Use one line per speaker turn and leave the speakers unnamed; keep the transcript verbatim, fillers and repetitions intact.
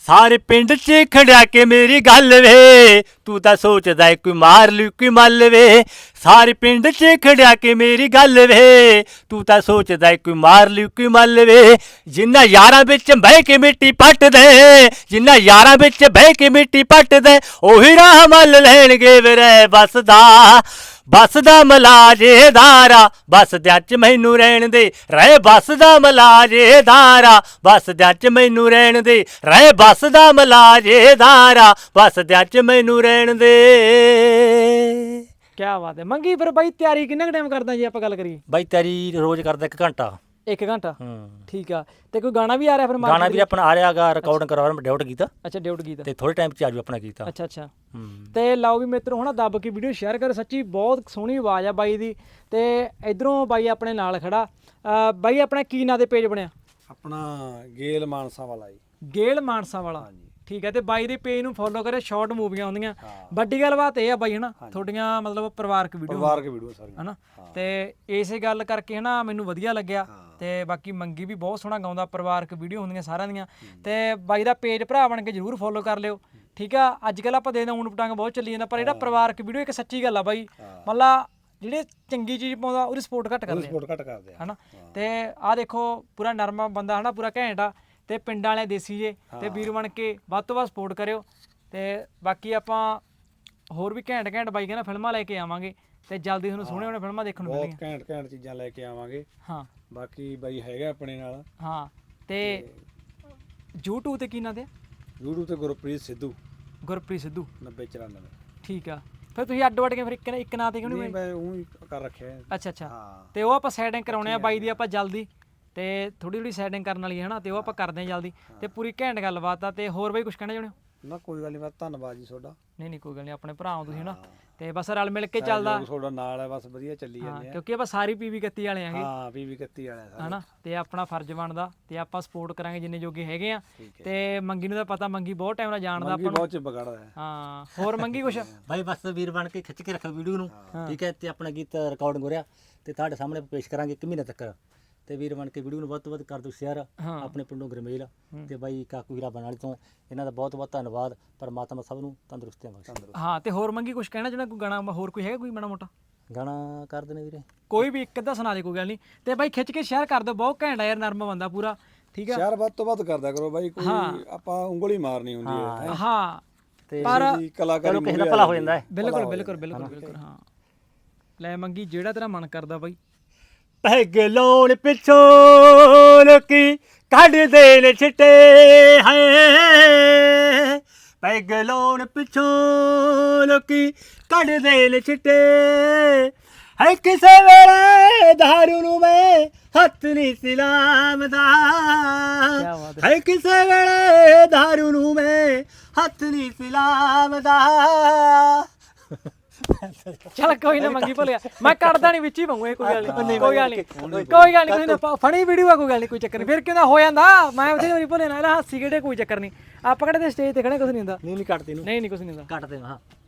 ਸਾਰੇ ਪਿੰਡ 'ਚ ਖੜਿਆ ਕੇ ਮੇਰੀ ਗੱਲ ਵੇ, ਤੂੰ ਤਾਂ ਸੋਚਦਾ ਏ ਕੋਈ ਮਾਰ ਲੂ ਕੋਈ ਮੱਲ ਵੇ। ਸਾਰੇ ਪਿੰਡ 'ਚ ਖੜਿਆ ਕੇ ਮੇਰੀ ਗੱਲ ਵੇ, ਤੂੰ ਤਾਂ ਸੋਚਦਾ ਏ ਕੋਈ ਮਾਰ ਲੂ ਕੋਈ ਮੱਲ ਵੇ। ਜਿੰਨਾ ਯਾਰਾਂ ਵਿੱਚ ਬਹਿ ਕੇ ਮਿੱਟੀ ਪੱਟਦੇ, ਜਿੰਨਾ ਯਾਰਾਂ ਵਿੱਚ ਬਹਿ ਕੇ ਮਿੱਟੀ ਪੱਟਦੇ, ਉਹੀ ਰਾਹ ਮੱਲ ਲੈਣਗੇ ਵੇ ਰਹਿ ਬਸਦਾ। ਬਸਦਾ ਮਲਾਜੇਦਾਰਾ ਬਸਦਿਆਂ 'ਚ ਮੈਨੂੰ ਰਹਿਣ ਦੇ, ਰਹਿ ਬਸਦਾ ਮਲਾਜੇਦਾਰਾ ਬਸਦਿਆਂ 'ਚ ਮੈਨੂੰ ਰਹਿਣ ਦੇ, ਰਹਿ ਬਸਦਾ ਮਲਾਜੇਦਾਰਾ ਬਸਦਿਆਂ 'ਚ ਮੈਨੂੰ ਰਹਿਣ ਦੇ।
ਕਿਆ ਬਾਤ ਹੈ ਮੰਗੀ। ਫਿਰ ਬਾਈ ਤਿਆਰੀ ਕਿੰਨਾ ਕੁ ਟਾਈਮ ਕਰਦਾ ਜੇ ਆਪਾਂ ਗੱਲ ਕਰੀਏ?
ਬਾਈ ਤਿਆਰੀ ਰੋਜ਼ ਕਰਦਾ ਇੱਕ ਘੰਟਾ।
ਇੱਕ ਘੰਟਾ
ਹੂੰ
ਠੀਕ ਆ। ਤੇ ਕੋਈ ਗਾਣਾ ਵੀ ਆ ਰਿਹਾ ਫਿਰ?
ਗਾਣਾ ਵੀ ਆਪਣਾ ਆ ਰਿਹਾਗਾ, ਰਿਕਾਰਡਿੰਗ ਕਰਵਾ ਰਿਹਾ, ਡਿਊਟ ਕੀਤਾ।
ਅੱਛਾ ਡਿਊਟ ਗੀਤ
ਤੇ ਥੋੜੇ ਟਾਈਮ 'ਚ ਆਜੂ ਆਪਣਾ ਕੀਤਾ।
ਅੱਛਾ ਅੱਛਾ।
ਹੂੰ
ਤੇ ਲਾਓ ਵੀ ਮਿੱਤਰੋ ਹਨਾ ਦੱਬ ਕੇ ਵੀਡੀਓ ਸ਼ੇਅਰ ਕਰੋ, ਸੱਚੀ ਬਹੁਤ ਸੋਹਣੀ ਆਵਾਜ਼ ਆ ਬਾਈ ਦੀ। ਤੇ ਇਧਰੋਂ ਬਾਈ ਆਪਣੇ ਨਾਲ ਖੜਾ। ਅਹ ਬਾਈ ਆਪਣਾ ਕੀ ਨਾਂ ਦੇ ਪੇਜ ਬਣਿਆ?
ਆਪਣਾ ਗੇਲ ਮਾਨਸਾ ਵਾਲਾ ਜੀ।
ਗੇਲ ਮਾਨਸਾ ਵਾਲਾ ਠੀਕ ਹੈ। ਤੇ ਬਾਈ ਦੇ ਪੇਜ ਨੂੰ ਫੋਲੋ ਕਰੇ, ਸ਼ਾਰਟ ਮੂਵੀਆਂ ਹੁੰਦੀਆਂ। ਵੱਡੀ ਗੱਲ ਬਾਤ ਇਹ ਆ ਬਾਈ ਹਨਾ ਤੁਹਾਡੀਆਂ ਮਤਲਬ ਪਰਿਵਾਰਕ ਵੀਡੀਓ
ਪਰਿਵਾਰਕ ਵੀਡੀਓ ਸਾਰੀਆਂ
ਹਨਾ। ਤੇ ਇਸੇ ਗੱਲ ਕਰਕੇ ਹਨਾ ਮੈਨੂੰ ਵਧੀਆ ਲੱਗਿਆ। ਤੇ ਬਾਕੀ ਮੰਗੀ ਵੀ ਬਹੁਤ ਸੋਹਣਾ ਗਾਉਂਦਾ, ਪਰਿਵਾਰਕ ਵੀਡੀਓ ਹੁੰਦੀਆਂ ਸਾਰਿਆਂ ਦੀਆਂ। ਤੇ ਬਾਈ ਦਾ ਪੇਜ ਭਰਾ ਬਣ ਕੇ ਜਰੂਰ ਫੋਲੋ ਕਰ ਲਿਓ ਠੀਕ ਆ। ਅੱਜ ਕੱਲ ਆਪਾਂ ਦੇਖਦੇ ਊਣ ਪਟਾਂਗ ਬਹੁਤ ਚੱਲੀ ਜਾਂਦਾ, ਪਰ ਜਿਹੜਾ ਪਰਿਵਾਰਕ ਵੀਡੀਓ ਇੱਕ ਸੱਚੀ ਗੱਲ ਆ ਬਾਈ, ਮਤਲਬ ਜਿਹੜੇ ਚੰਗੀ ਚੀਜ਼ ਪਾਉਂਦਾ ਉਹਦੀ ਸਪੋਰਟ ਘੱਟ ਕਰਦੇ
ਸਪੋਰਟ ਘੱਟ ਕਰਦੇ ਆ
ਹਨਾ। ਤੇ ਆਹ ਦੇਖੋ ਪੂਰਾ ਨਰਮਾ ਬੰਦਾ ਹਨਾ, ਪੂਰਾ ਘੈਂਟ ਆ। ਤੇ ਪਿੰਡਾਂ ਵਾਲੇ ਦੇਸੀ ਜੇ, ਤੇ ਵੀਰ ਬਣ ਕੇ ਵੱਧ ਤੋਂ ਵੱਧ ਸਪੋਰਟ ਕਰਿਓ। ਤੇ ਬਾਕੀ ਆਪਾਂ ਹੋਰ ਵੀ ਘੈਂਟ ਘੈਂਟ ਬਾਈ ਕਹਿੰਦਾ ਫਿਲਮਾਂ ਲੈ ਕੇ ਆਵਾਂਗੇ, ਤੇ ਜਲਦੀ ਤੁਹਾਨੂੰ ਸੋਹਣੇ ਸੋਹਣੇ ਫਿਲਮਾਂ ਦੇਖਣ ਨੂੰ ਮਿਲਣਗੀਆਂ।
ਬਹੁਤ ਘੈਂਟ ਘੈਂਟ ਚੀਜ਼ਾਂ ਲੈ ਕੇ ਆਵਾਂਗੇ।
ਹਾਂ
ਬਾਕੀ ਬਾਈ ਹੈਗਾ ਆਪਣੇ ਨਾਲ।
ਹਾਂ। ਤੇ YouTube ਤੇ ਕੀ ਨਾਂ ਤੇ?
YouTube ਤੇ ਗੁਰਪ੍ਰੀਤ ਸਿੱਧੂ
ਗੁਰਪ੍ਰੀਤ ਸਿੱਧੂ
ਨੱਬੇ ਚੁਰਾਨਵੇਂ।
ਠੀਕ ਆ। ਫਿਰ ਤੁਸੀਂ ਅੱਡ ਵੱਡ ਕੇ ਫਿਰ ਇੱਕ ਇੱਕ ਨਾਂ ਤੇ ਕਿਉਂ
ਨਹੀਂ
ਨਹੀਂ?
ਮੈਂ ਉਹ ਹੀ ਕਰ ਰੱਖਿਆ ਹੈ।
ਅੱਛਾ ਅੱਛਾ।
ਹਾਂ
ਤੇ ਉਹ ਆਪਾਂ ਸੈਟਿੰਗ ਕਰਾਉਣੇ ਆ ਬਾਈ ਦੀ ਆਪਾਂ ਜਲਦੀ, ਤੇ ਥੋੜੀ ਥੋੜੀ ਸੈਟਿੰਗ ਕਰਨ ਵਾਲੀ ਹੈ ਹਨਾ। ਤੇ ਉਹ ਆਪਾਂ ਕਰਦੇ ਆ ਜਲਦੀ, ਤੇ ਪੂਰੀ ਘੈਂਟ ਗੱਲਬਾਤ ਆ। ਤੇ ਹੋਰ ਬਾਈ ਕੁਝ ਕਹਿਣਾ ਚਾਹੁੰਦੇ ਹੋ?
ਨਾ ਕੋਈ ਗੱਲ ਨਹੀਂ, ਬਸ ਧੰਨਵਾਦ ਜੀ ਤੁਹਾਡਾ।
ਨਹੀਂ ਨਹੀਂ ਕੋਈ ਗੱਲ ਨਹੀਂ, ਆਪਣੇ ਭਰਾ ਹੋ ਤੁਸੀਂ ਹਨਾ। ਤੇ ਬਸ ਰਲ ਮਿਲ ਕੇ ਚੱਲਦਾ
ਤੁਹਾਡਾ ਨਾਲ ਹੈ, ਬਸ ਵਧੀਆ ਚੱਲੀ ਜਾਂਦੇ ਆ।
ਕਿਉਂਕਿ ਆਪਾਂ ਸਾਰੀ ਪੀਵੀ ਇਕੱਤੀ ਵਾਲੇ ਆਂਗੇ
ਹਾਂ ਪੀਵੀ ਇਕੱਤੀ ਵਾਲੇ ਸਾਰੇ
ਹਨਾ। ਤੇ ਆਪਣਾ ਫਰਜ਼ ਬਣਦਾ, ਤੇ ਆਪਾਂ ਸਪੋਰਟ ਕਰਾਂਗੇ ਜਿੰਨੇ ਜੋਗੇ ਹੈਗੇ ਆ। ਤੇ ਮੰਗੀ ਨੂੰ ਤਾਂ ਪਤਾ, ਮੰਗੀ ਬਹੁਤ ਟਾਈਮ ਨਾਲ ਜਾਣਦਾ ਆਪਾਂ ਨੂੰ।
ਬਹੁਤ ਚਿਪ ਕਰਦਾ ਹੈ।
ਹਾਂ ਹੋਰ ਮੰਗੀ ਕੁਛ?
ਬਾਈ ਬਸ ਵੀਰ ਬਣ ਕੇ ਖਿੱਚ ਕੇ ਰੱਖੋ ਵੀਡੀਓ ਨੂੰ ਠੀਕ ਹੈ। ਤੇ ਆਪਣਾ ਗੀਤ ਰਿਕਾਰਡਿੰਗ ਹੋ ਰਿਹਾ, ਤੇ ਤੁਹਾਡੇ ਸਾਹਮਣੇ ਪੇਸ਼ ਕਰਾਂਗੇ ਇੱਕ ਮਹੀਨੇ ਤੱਕ। ਤੇ ਵੀਰ ਬਣ ਕੇ ਵੀਡੀਓ ਨੂੰ ਵੱਧ ਤੋਂ ਵੱਧ ਕਰ ਦਿਓ ਸ਼ੇਅਰ। ਆਪਣੇ ਪਿੰਡੋਂ ਗਰਮੇਲ ਤੇ ਬਾਈ ਕਾਕੂ ਹੀਰਾ ਬਣ ਵਾਲੀ ਤੋਂ ਇਹਨਾਂ ਦਾ ਬਹੁਤ ਬਹੁਤ ਧੰਨਵਾਦ। ਪਰਮਾਤਮਾ ਸਭ ਨੂੰ ਤੰਦਰੁਸਤੀਆਂ ਬਖਸ਼ੇ।
ਹਾਂ ਤੇ ਹੋਰ ਮੰਗੀ ਕੁਛ ਕਹਿਣਾ ਚਾਹੁੰਦਾ? ਕੋਈ ਗਾਣਾ ਹੋਰ ਕੋਈ ਹੈਗਾ ਕੋਈ ਮਾੜਾ ਮੋਟਾ
ਗਾਣਾ ਕਰ ਦੇਣੇ ਵੀਰੇ?
ਕੋਈ ਵੀ ਇੱਕ ਅੱਧਾ ਸੁਣਾ ਦੇ, ਕੋਈ ਗੱਲ ਨਹੀਂ। ਤੇ ਬਾਈ ਖਿੱਚ ਕੇ ਸ਼ੇਅਰ ਕਰ ਦਿਓ, ਬਹੁਤ ਘੈਂਟ ਆ ਯਾਰ, ਨਰਮ ਬੰਦਾ ਪੂਰਾ ਠੀਕ ਆ।
ਸ਼ੇਅਰ ਵੱਧ ਤੋਂ ਵੱਧ ਕਰਦਾ ਕਰੋ ਬਾਈ, ਕੋਈ ਆਪਾਂ ਉਂਗਲੀ ਮਾਰਨੀ ਹੁੰਦੀ ਹੈ।
ਹਾਂ
ਤੇ
ਪਰ
ਕਲਾਕਾਰੀ
ਕਿਸੇ ਦਾ ਭਲਾ ਹੋ ਜਾਂਦਾ ਹੈ।
ਬਿਲਕੁਲ ਬਿਲਕੁਲ ਬਿਲਕੁਲ ਬਿਲਕੁਲ। ਹਾਂ ਲੈ ਮੰਗੀ ਜਿਹੜਾ ਤੇਰਾ ਮਨ ਕਰਦਾ ਬਾਈ।
ਪੈਗ ਲਾਉਣ ਪਿੱਛੋਂ ਲੋਕੀ ਕੱਢਦੇ ਨੇ ਛਿੱਟੇ ਹੈ, ਪੈਗ ਲਾਉਣ ਪਿੱਛੋਂ ਲੋਕੀ ਕੱਢਦੇ ਨੇ ਛਿੱਟੇ ਹੈ। ਕਿਸੇ ਵੇਲੇ ਦਾਰੂ ਨੂੰ ਮੈਂ ਹੱਥ ਨਹੀਂ ਸਿਲਾਮਦਾ ਹੈ, ਕਿਸੇ ਵੇਲੇ ਦਾਰੂ ਨੂੰ ਮੈਂ ਹੱਥ ਨਹੀਂ ਸਿਲਾਮਦਾ।
ਚੱਲ ਕੋਈ ਨਾ ਮੰਗੀ ਭੁੱਲਿਆ, ਮੈਂ ਕੱਢਦਾ ਨਹੀਂ ਵਿੱਚ ਹੀ ਪਾਉਂ ਇਹ, ਕੋਈ ਗੱਲ ਨਹੀਂ ਕੋਈ ਗੱਲ ਨਹੀਂ ਕੋਈ ਗੱਲ ਨਹੀਂ। ਕੋਈ ਫਣੀ ਵੀਡੀਓ ਆ, ਕੋਈ ਗੱਲ ਨਹੀਂ, ਕੋਈ ਚੱਕਰ ਨਹੀਂ। ਫਿਰ ਕਿਉਂ ਹੋ ਜਾਂਦਾ, ਮੈਂ ਉਹਦੇ ਵਾਰੀ ਭੁੱਲੇ ਨਾ ਹਾਸੀ ਕਿਹੜੇ, ਕੋਈ ਚੱਕਰ ਨਹੀਂ। ਆਪਾਂ ਕਿਹੜੇ ਤੇ ਸਟੇਜ ਤੇ ਖੜੇ, ਕੁਝ ਨਹੀਂ ਹੁੰਦਾ।
ਨਹੀਂ ਨਹੀਂ ਕੱਟਦੇ ਨੂੰ,
ਨਹੀਂ ਨਹੀਂ ਕੁਝ ਨਹੀਂ ਹੁੰਦਾ।
ਕੱਟਦੇ ਹਾਂ।